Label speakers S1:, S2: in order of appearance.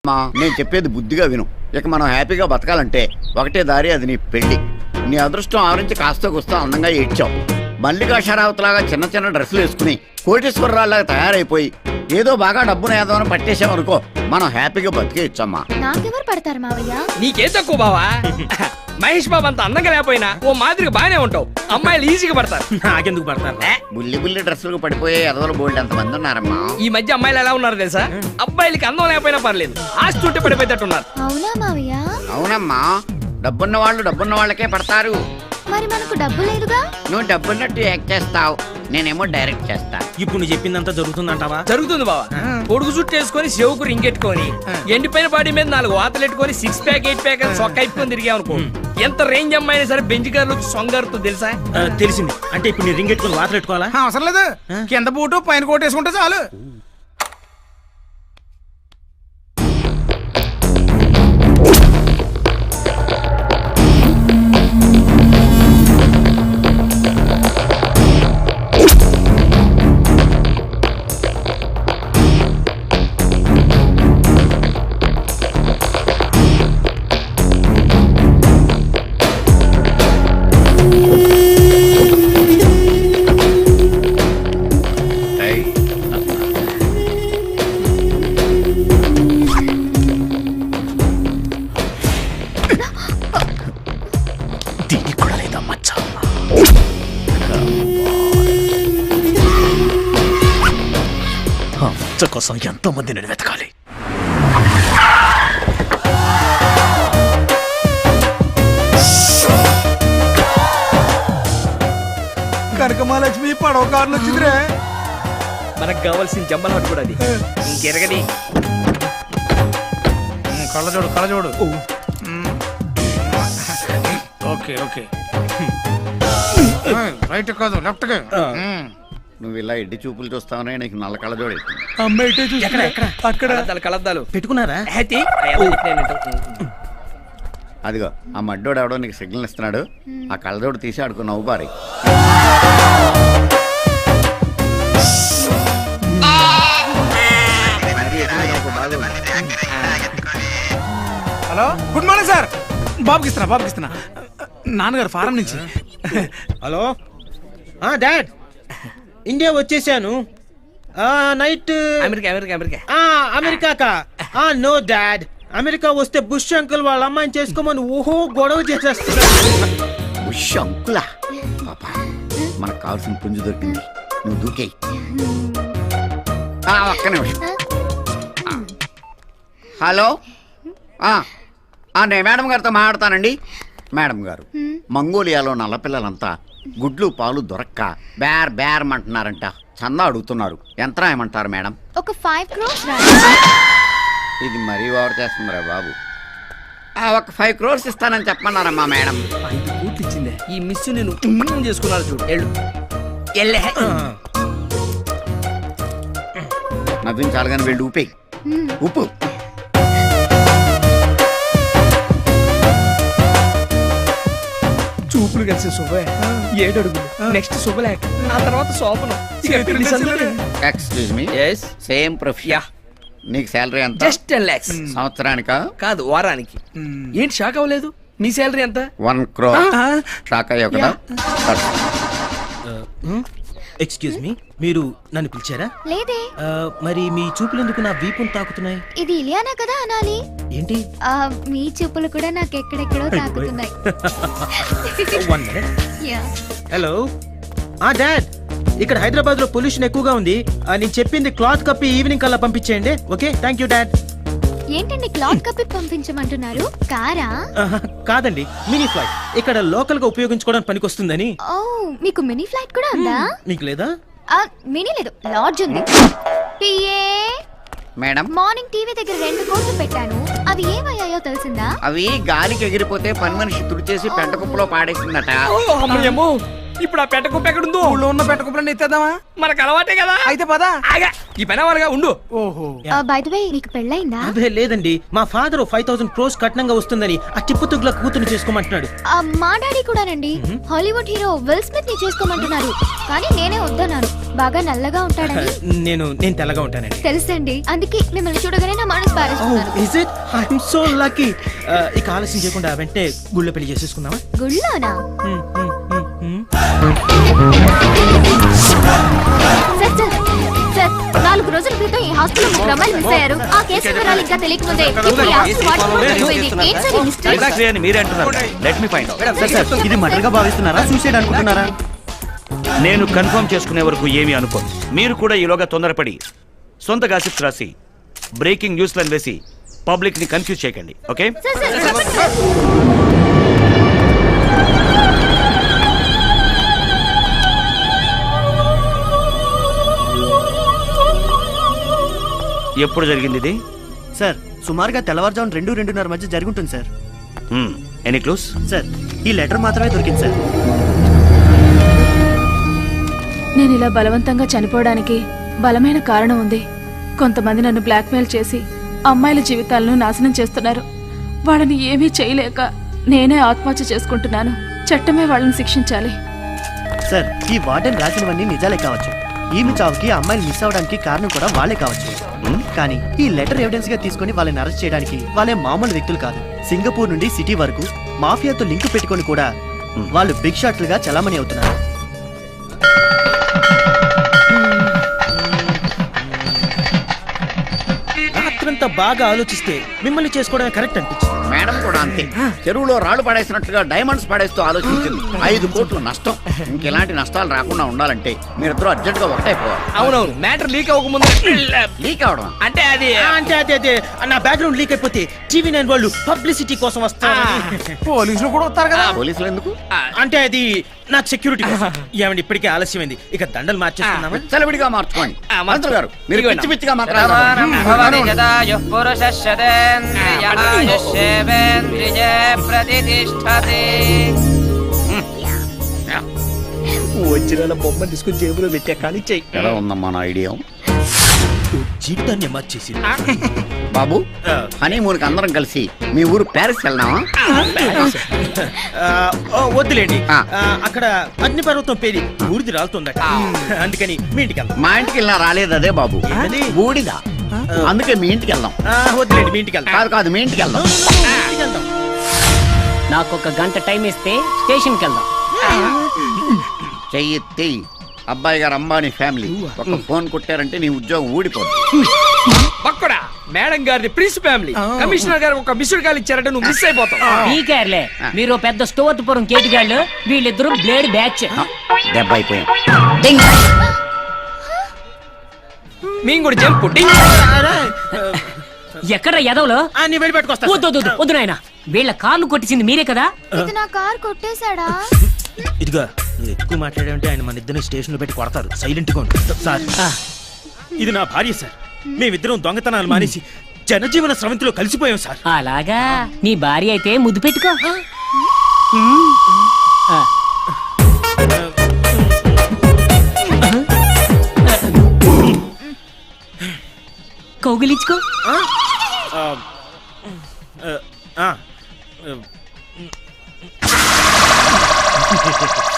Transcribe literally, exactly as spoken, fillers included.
S1: మా నేను చెప్పేది బుద్ధిగా విను. ఇక మనం హ్యాపీగా బతకాలంటే ఒకటే దారి, అది నీ పెళ్లి. నీ అదృష్టం ఆవరించి కాస్త కూస్తా అందంగా ఏడ్చావు. మల్లికా షరావత్ లాగా చిన్న చిన్న డ్రెస్సులు వేసుకుని కోటేశ్వరరావులాగా తయారైపోయి ఏదో బాగా డబ్బును ఏదో పట్టేసామనుకో, మనం హ్యాపీగా బతికేయచ్చమ్మా.
S2: నాకెవరు పడతారు మావయ్య?
S3: నీకే తక్కువ బావా. మహేష్ బాబు అంత అందంగా లేకపోయినా ఓ మాదిరిగా బాగానే ఉంటావు. అమ్మాయిలు ఈజీగా పడతారు.
S4: నాకెందుకు పడతారు?
S1: బుల్లి బుల్లి డ్రెస్సులకు పడిపోయే ఎదవలు బోల్డ్ ఎంతమంది ఉన్నారమ్మా.
S3: ఈ మధ్య అమ్మాయిలు ఎలా ఉన్నారు తెలుసా? అబ్బాయిలకి అందం లేకపోయినా పర్లేదు, ఆస్తి ఉంటే పడిపోయేటట్టున్నారు.
S2: అవునా మావయ్య?
S1: అవునమ్మా, డబ్బున్న వాళ్ళు డబ్బున్న వాళ్ళకే పడతారు.
S2: మరి మనకు డబ్బు లేదుగా.
S1: నువ్వు డబ్బున్నట్టు యాక్ట్ చేస్తావు, నేనేమో డైరెక్ట్ చేస్తా.
S4: ఇప్పుడు నువ్వు చెప్పిందంతా జరుగుతుందంటావా?
S3: జరుగుతుంది బావా. కొడుకు చుట్టూ వేసుకొని చెవుకు రింగెట్టుకొని ఎండిపోయిన బాడీ మీద నాలుగు వాతలు ఎట్టుకొని సిక్స్ ప్యాక్ ఎయిట్ ప్యాక్ అని సొక్క అయిపోయి తిరిగామనుకో, ఎంత రేంజ్ అమ్మాయినా సరే బెంచ్ కార్లు సొంగారుతో తెలుసా?
S4: ఆ, తెలిసింది. అంటే ఇప్పుడు నీ రింగ్ ఎట్టుకుని వాతలు పెట్టుకోవాలా?
S5: అవసరం లేదు, కింద బూటు పైన కోట్ వేసుకుంటే చాలు.
S4: కోసం ఎంతో మంది నేను వెతకాలి.
S5: కనకమహాలక్ష్మి పడవ కార్లు వచ్చిందిరే.
S3: మనకు కావాల్సిన జమ్మల హట్ కూడా అది. ఇంకెరగని
S5: కళ్ళజోడు కళ్ళజోడు. ఓకే ఓకే, రైట్ కాదు లెఫ్ట్.
S1: నువ్వు ఇలా ఎడ్డి చూపులు చూస్తావనే నీకు నల్ల కళ్ళజోడు.
S3: అక్కడ కలద్దాలు
S4: పెట్టుకున్నారా?
S1: అదిగో ఆ మడ్డోడు ఎవడో నీకు సిగ్నల్ ఇస్తున్నాడు, ఆ కళ్ళజోడు తీసి ఆడుకో నవ్వు బారి.
S5: Hello, good morning sir. బాబుకి ఇస్తున్నా బాబుకి ఇస్తున్నా నాన్నగారు ఫారం నుంచి.
S4: హలో డాడ్, ఇండియా వచ్చేసాను. నైట్
S3: అమెరికా అమెరికా అమెరికా
S4: అమెరికాకా? నో డాడ్, అమెరికా వస్తే బుష్ అంకుల్ వాళ్ళ అమ్మాయిని చేసుకోమని ఓహో గొడవ చేసేస్తున్నా.
S1: బుష్ అంకులా? పాపా, మనకు కావాల్సిన పుంజు దొరికింది, నువ్వు దూకేయి. ఒక్క నిమిషం. హలో, నేను మేడం గారితో మాట్లాడతానండి. మేడం గారు, మంగోలియాలో నల్లపిల్లలంతా గుడ్లు పాలు దొరక్క బేర్ బేర్ అంటున్నారంట, చందా అడుగుతున్నారు. ఎంత రాయమంటారు మేడం?
S2: ఒక ఫైవ్ క్రోర్స్.
S1: ఇది మరీ ఓవర్ చేస్తుందిరా బాబు. ఒక ఫైవ్ క్రోర్స్ ఇస్తానని చెప్పమన్నారమ్మా మేడం.
S3: ఐదు కోట్లు ఇచ్చిందే ఈ మిస్. నేను చేసుకున్నారు చూడు. ఎళ్ళు ఎల్లే
S1: నవ్వించాలి కానీ వెళ్ళి ఊపే ఉప్పు.
S3: చూపులు కలిసి శుభే ఏడు అడుగులు, నెక్స్ట్ శుభలేఖ, ఆ తర్వాత శోభనం.
S1: Excuse me, same profession. నీకు శాలరీ ఎంత?
S3: Just ten lakhs.
S1: సంవత్సరానికా?
S3: కాదు, వారానికి. ఏంటి షాక్ అవ్వలేదు? నీ శాలరీ ఎంత?
S1: వన్ క్రోర్. షాక్ అయ్యావు కదా?
S4: ఎక్స్క్యూజ్ మీ, మీరు నన్ను పిలిచారా?
S2: లేదే.
S4: మరి మీ చూపులు ఎందుకు నా వీపును తాకుతున్నాయి?
S2: ఇది ఇలియానా కదా అనాలి.
S4: ఏంటి?
S2: మీ చూపులు కూడా నాకు ఎక్కడెక్కడో తాకుతున్నాయి.
S4: హలో డాడ్, ఇక్కడ హైదరాబాద్ లో పొల్యూషన్ ఎక్కువగా ఉంది. నేను చెప్పింది క్లాత్ కప్పి ఈవినింగ్ కల్లా పంపించేయండి. Okay, thank you dad.
S2: ఏంటండి క్లాత్ కప్పి పంపించమంటున్నారు? కారా?
S4: కాదండి, మినీ ఫ్లైట్. ఇక్కడ లోకల్ గా ఉపయోగించుకోవడానికి పనికొస్తుందని.
S2: ఓ, మీకు మినీ ఫ్లైట్ కూడా ఉందా?
S4: మీకు లేదా?
S2: మినీ లేదు, లాడ్జ్ ఉంది. పిఏ
S1: మేడం,
S2: మార్నింగ్ టీవీ దగ్గర రెండు కోట్లు పెట్టాను, అవి ఏమయ్యాయో తెలిసిందా?
S1: అవి గాలికి ఎగిరిపోతే పని మనిషి తుడిచేసి పెంట కుప్పలో పాడేసిందట.
S3: ఇప్పుడు ఆ పెట్ట కుప్ప ఎక్కడుందో
S5: ఊళ్ళో ఉన్న పెట్ట కుప్పలన్నీ ఎత్తేద్దామా?
S3: మనకు అలవాటే కదా.
S5: అయితే పదా.
S3: ఆగా ఈ పని అవ్వాలిగా ఉండు.
S5: ఓహో.
S2: బై ద వే నీకు పెళ్ళైందా?
S4: అదే లేదండి, మా ఫాదర్ ఫైవ్ థౌసండ్ క్రోస్ కట్నంగా వస్తుందని ఆ టిప్పు తుగ్ల కూతురు చేసుకోమంటున్నాడు.
S2: ఆ, మా డాడీ కూడానండి హాలీవుడ్ హీరో విల్ స్మిత్ ని చేసుకోమంటున్నారు. కానీ నేనే వద్దన్నాను, బాగా నల్లగా ఉంటాడని.
S4: నేను నేను తెల్లగా ఉంటానండి.
S2: తెలుసండి, అందుకే మిమ్మల్ని చూడగానే నా మనసు పారేస్తున్నాను.
S4: Is it? I'm so lucky. ఇక ఆలస్యం చేయకుండా వెంటనే గుళ్ళో పెళ్లి చేసేసుకుందామా?
S2: గుళ్ళోనా?
S4: హ్మ్, హ్మ్, హ్మ్, హ్మ్.
S2: సార్ సార్ సార్, నాలుగు రోజుల క్రితం ఈ హాస్పిటల్ ముగ్గురు అమ్మాయిలు మిస్ అయ్యారు. ఆ కేసు వివరాలు ఇంకా తెలియకముందే ఇప్పుడు ఈ హాస్పిటల్ వాడుకోవడం అయిపోయింది. ఏంటి సార్ ఈ మిస్టరీ?
S6: ఎగ్జాక్ట్లీ అని మీరే అంటున్నారు. Let me find out.
S2: Sir, ఇది మర్డర్ గా
S4: భావిస్తున్నారా, సూసైడ్ అనుకుంటున్నారా?
S6: నేను కన్ఫర్మ్ చేసుకునే వరకు ఏమీ అనుకోను. మీరు కూడా ఈలోగా తొందరపడి సొంత గాసిప్స్ రాసి బ్రేకింగ్ న్యూస్ లను వేసి పబ్లిక్ ని కన్ఫ్యూజ్ చేయకండి. ఓకే?
S2: సార్ సార్ చెప్పండి సార్.
S6: ఎప్పుడు జరిగింది ఇది?
S7: సార్ సుమారుగా తెల్లవారుజామున రెండు రెండున్నర మధ్య జరుగుతుంది సార్.
S6: Any clues?
S7: సార్ ఈ లెటర్ మాత్రమే దొరికింది సార్.
S8: నేను ఇలా బలవంతంగా చనిపోవడానికి బలమైన కారణం ఉంది. కొంతమంది నన్ను బ్లాక్మెయిల్ చేసి అమ్మాయిల జీవితాలను నాశనం చేస్తున్నారు. వాళ్ళని ఏమీ చేయలేక నేనే ఆత్మహత్య చేసుకుంటున్నాను. చట్టమే వాళ్ళని శిక్షించాలి.
S7: సార్ ఈ వార్డెన్ రాసినవన్నీ నిజాలే కావచ్చు. ఈమె చావుకి ఆ అమ్మాయిలు మిస్ అవడానికి కారణం కూడా వాళ్ళే కావచ్చు. కానీ ఈ లెటర్ ఎవిడెన్స్ గా తీసుకుని వాళ్ళని అరెస్ట్ చేయడానికి వాళ్ళే మామూలు వ్యక్తులు కాదు. సింగపూర్ నుండి సిటీ వరకు మాఫియాతో లింక్ పెట్టుకొని కూడా వాళ్ళు బిగ్ షాట్లుగా చలామణి అవుతున్నారు.
S4: రాత్రంతా బాగా ఆలోచిస్తే మిమ్మల్ని చేసుకోవడమే కరెక్ట్ అనిపించింది.
S1: మేడం కూడా అంతే. చెరువులో రాళ్ళు పడేసినట్టుగా డైమండ్స్ పడేస్తూ ఆలోచించింది. ఐదు కోట్లు నష్టం. ఇంకెలాంటి నష్టాలు రాకుండా ఉండాలంటే మీరిద్దరూ అర్జెంట్ గా ఒకటైపోవాలి.
S3: అవునవును, మ్యాటర్ లీక్ అవ్వకముందు
S1: లీక్ అవడం
S3: అంటే అది
S4: అంటే అదే అదే నా బ్యాక్గ్రౌండ్ లీక్ అయిపోతే టీవీ నైన్ వాళ్ళు పబ్లిసిటీ కోసం వస్తారు.
S5: పోలీసులు కూడా వస్తారు కదా.
S1: పోలీసులు ఎందుకు?
S4: అంటే అది నాకు సెక్యూరిటీ కోసం. ఏమండి ఇప్పటికే ఆలస్యమైంది, ఇక దండలు మార్చేస్తున్నామా?
S1: విచ్చలవిడిగా మార్చుకోండి.
S3: ఆ, మార్చు.
S1: మంత్రి గారు మీరు
S3: ఇదిగోండి.
S1: పిచ్చి పిచ్చిగా మాట్లాడారు.
S3: వచ్చిన బొమ్మ తీసుకుని జేబులో పెట్టా కానీ చెయ్యి.
S1: ఎలా ఉందమ్మా నా ఐడియా?
S4: జీవితాన్ని మార్చేసి
S1: బాబు, హనీమూన్ కి అందరం కలిసి మీ ఊరు ప్యారిస్ వెళ్దామా?
S4: వద్దులేండి,
S1: ఆ.
S4: ఆ, అక్కడ అగ్ని పర్వతం పేరి ఊరిది రాలుతుందట. అందుకని మీ ఇంటికి వెళ్దాం.
S1: మా ఇంటికి వెళ్ళినా రాలేదు అదే బాబు,
S4: ఏంటది?
S1: బూడిద. అందుకే మీ ఇంటికి వెళ్దాం.
S4: ఆ, వద్దులేండి, మీ ఇంటికి వెళ్దాం.
S1: కాదు కాదు మీ ఇంటికి వెళ్దాం.
S4: మీ ఇంటికి వెళ్దాం.
S9: నాకు ఒక గంట టైం ఇస్తే స్టేషన్కి వెళ్దాం.
S1: చెయ్యి అబ్బాయి గారు అంబానీ ఫ్యామిలీ ఒక ఫోన్ కొట్టారంటే నీ ఉద్యోగం ఊడిపోతుంది.
S3: పక్కడా మేడం గారిది ప్రిన్స్ ఫ్యామిలీ. కమిషనర్ గారు ఒక మిస్డ్ కాల్ ఇచ్చారంటే నువ్వు మిస్ అయిపోతావు.
S9: పీకేర్లే, మీరు పెద్ద స్టోర్పురం కేటుగాళ్ళు, వీళ్ళిద్దరు బ్లేడ్ బ్యాచ్.
S1: దెబ్బ అయిపోయాం.
S3: మేము కూడా జంపు
S9: ఎక్కడ ఎదవలో
S4: ఆ, నీ వెళ్ళి పెట్టుకొస్తా.
S9: వద్దు వద్దు, వద్దు నాయన, వీళ్ళ కార్లు కొట్టించింది మీరే కదా.
S2: ఇది నా కార్ కొట్టేశాడా?
S4: ఇదిగా నువ్వు ఎక్కువ మాట్లాడావంటే ఆయన మన ఇద్దరిని స్టేషన్ లో పెట్టి కొడతారు. సైలెంట్ గా ఉండు. సార్, ఇది నా భార్య సార్. మేమిద్దరం దొంగతనాలు మానేసి జనజీవన స్రవంతిలో కలిసిపోయాం సార్.
S9: అలాగా, నీ భార్య అయితే ముద్దు పెట్టుకో. ఆ. కౌగిలించుకో.
S4: ఆ? ఆ, ఆ, ఆ,